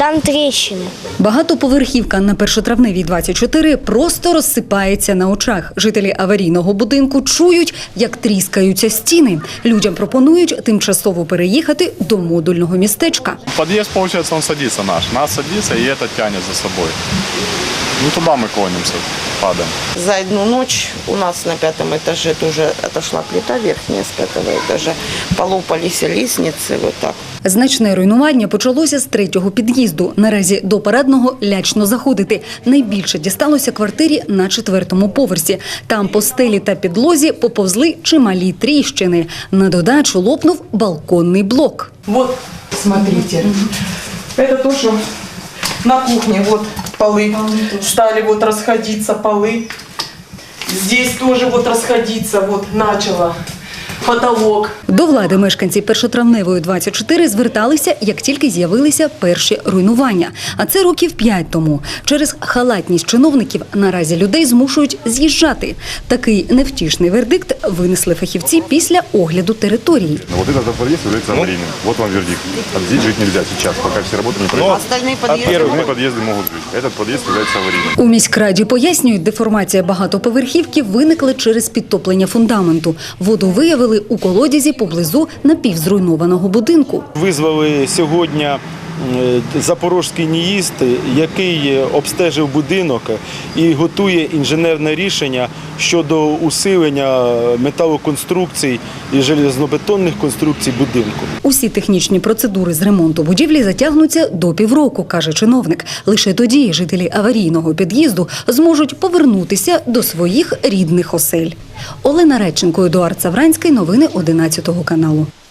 Там тріщини. Багатоповерхівка на Першотравневій, 24 просто розсипається на очах. Жителі аварійного будинку чують, як тріскаються стіни. Людям пропонують тимчасово переїхати до модульного містечка. Подъезд, получается, он садится наш. Нас садится, и это тянет за собой. Ну, туда мы клонимся, падаем. За одну ночь у нас на 5-м этаже тоже отошла плита верхняя с 5-го этажа. Полопались лестницы, вот так. Значне руйнування почалося з 3-го під'їзду. Наразі до парадного лячно заходити. Найбільше дісталося квартирі на 4-му поверсі. Там по стелі та підлозі поповзли чималі тріщини. На додачу лопнув балконний блок. Вот, смотрите, это тоже на кухне, вот полы стали вот расходиться, полы. Здесь тоже вот расходиться, вот начало. Потолок. До влади мешканці Першотравневої, 24 зверталися, як тільки з'явилися перші руйнування. А це років 5 тому. Через халатність чиновників наразі людей змушують з'їжджати. Такий невтішний вердикт винесли фахівці після огляду території. Вот этот подъезд является аварийным. Вот вам вердикт. Здесь жить нельзя сейчас, пока все работы не пройдут. Остальные подъезды Остальные подъезды могут жить. Этот подъезд является аварийным. У міськраді пояснюють, деформація багатоповерхівки виникла через підтоплення фундаменту. Воду виявили у колодязі поблизу напівзруйнованого будинку. Визвали сьогодні Запорізький НІІЗД, який обстежив будинок і готує інженерне рішення щодо усилення металоконструкцій і железнобетонних конструкцій будинку. Усі технічні процедури з ремонту будівлі затягнуться до півроку, каже чиновник. Лише тоді жителі аварійного під'їзду зможуть повернутися до своїх рідних осель. Олена Радченко, Едуард Савранський. Новини 11 каналу.